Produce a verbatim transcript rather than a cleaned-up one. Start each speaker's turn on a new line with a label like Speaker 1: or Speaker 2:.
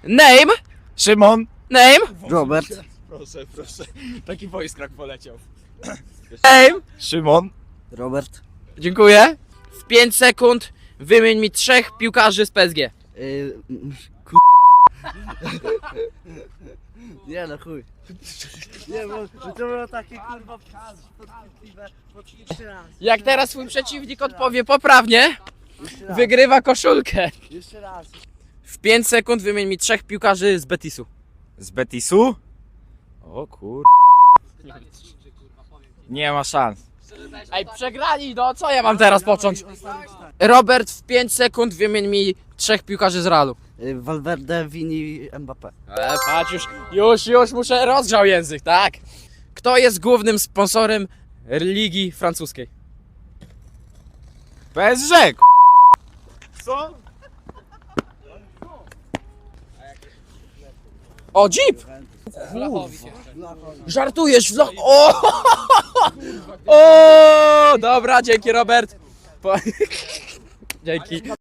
Speaker 1: Name?
Speaker 2: Szymon.
Speaker 1: Name?
Speaker 3: Robert.
Speaker 2: Proszę, proszę. Taki wojskrak poleciał.
Speaker 1: Name?
Speaker 2: Szymon.
Speaker 3: Robert.
Speaker 1: Dziękuję. W pięć sekund wymień mi trzech piłkarzy z P S G.
Speaker 3: Yy, ku... Nie no chuj. Nie, bo bo to było takie kurwa podchwytliwe. Jeszcze raz.
Speaker 1: Jak teraz twój przeciwnik odpowie poprawnie,
Speaker 3: Jeszcze raz.
Speaker 1: wygrywa koszulkę.
Speaker 3: Jeszcze raz.
Speaker 1: W pięć sekund wymień mi trzech piłkarzy z Betisu.
Speaker 2: Z Betisu? O kur... Nie ma szans.
Speaker 1: Ej, przegrali, no co ja mam teraz począć? Robert, w pięć sekund wymień mi trzech piłkarzy z Realu.
Speaker 3: Yy, Valverde, Vini, Mbappé.
Speaker 1: E, patrz, już, już, już muszę rozgrzał język, tak? Kto jest głównym sponsorem ligi francuskiej?
Speaker 2: P S G. k***. Co?
Speaker 1: O, Jeep! Żartujesz, w lo... O! O! Dobra, dzięki Robert. Po... Dzięki.